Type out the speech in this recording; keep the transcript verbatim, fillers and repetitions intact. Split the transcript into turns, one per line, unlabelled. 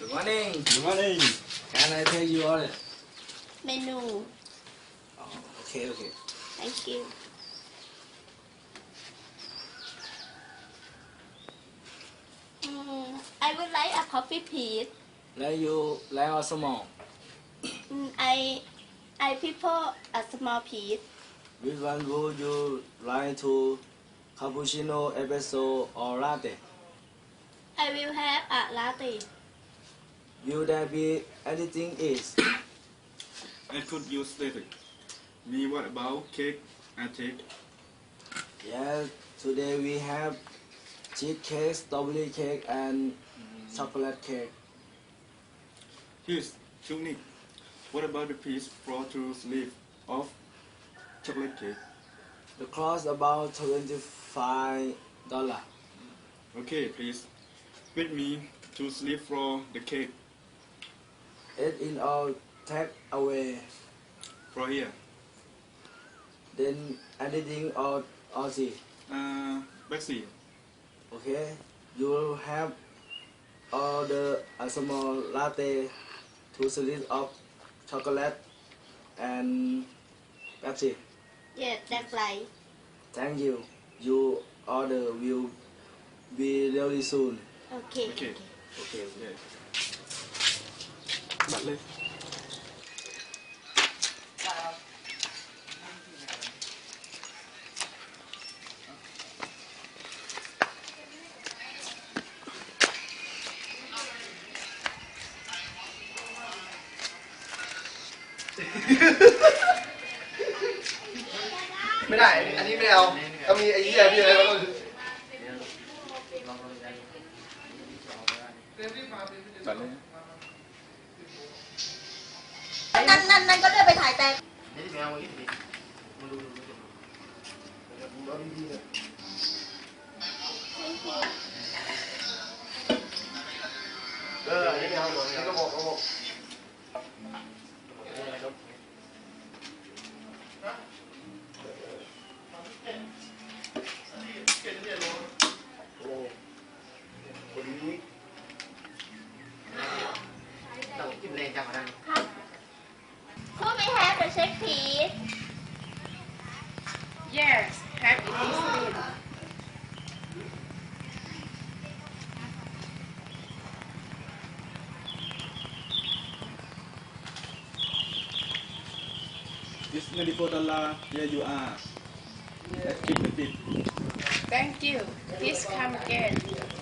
Good morning.
Good morning.
Can I take you order?
Menu.
Oh, okay, okay.
Thank you. Mm, I would like a coffee, please.
Like you, like or small?
Mm, I I prefer a small piece.
Which one would you like to? Cappuccino, espresso, or latte?
I will have a latte.
Will there be anything else?
I could use static. Me, what about cake and cake?
Yes, today we have cheesecake, strawberry cake, and chocolate cake.
Here's unique. What about the piece for to sleeve of chocolate cake?
The cost about twenty-five dollar.
Okay, please. With me to sleeve for the cake
It in all take away.
for here.
Then anything or or see.
Uh, Bexy.
Okay, you will have order a small latte, two slices of chocolate, and Pepsi.
Yes, that's right.
Thank you. Your order will be really soon.
Okay.
Okay.
Okay.
Yeah. Bật lên.
ไม่ได้ อันนี้ไม่เอาต้องมีไอ้เหี้ยพี่อะไรแล้วก็
Bật lên.
นั่นนั่นนั่นก็เลื่อนไปถ่ายแต่
เอออันนี้ไม่เอาอันนี้ก็บอกก็บอก
Could we have the check, please?
Yes, have it this week.
It's ninety-four dollar. Here you are. Let's keep the tip.
Thank you. Please come again.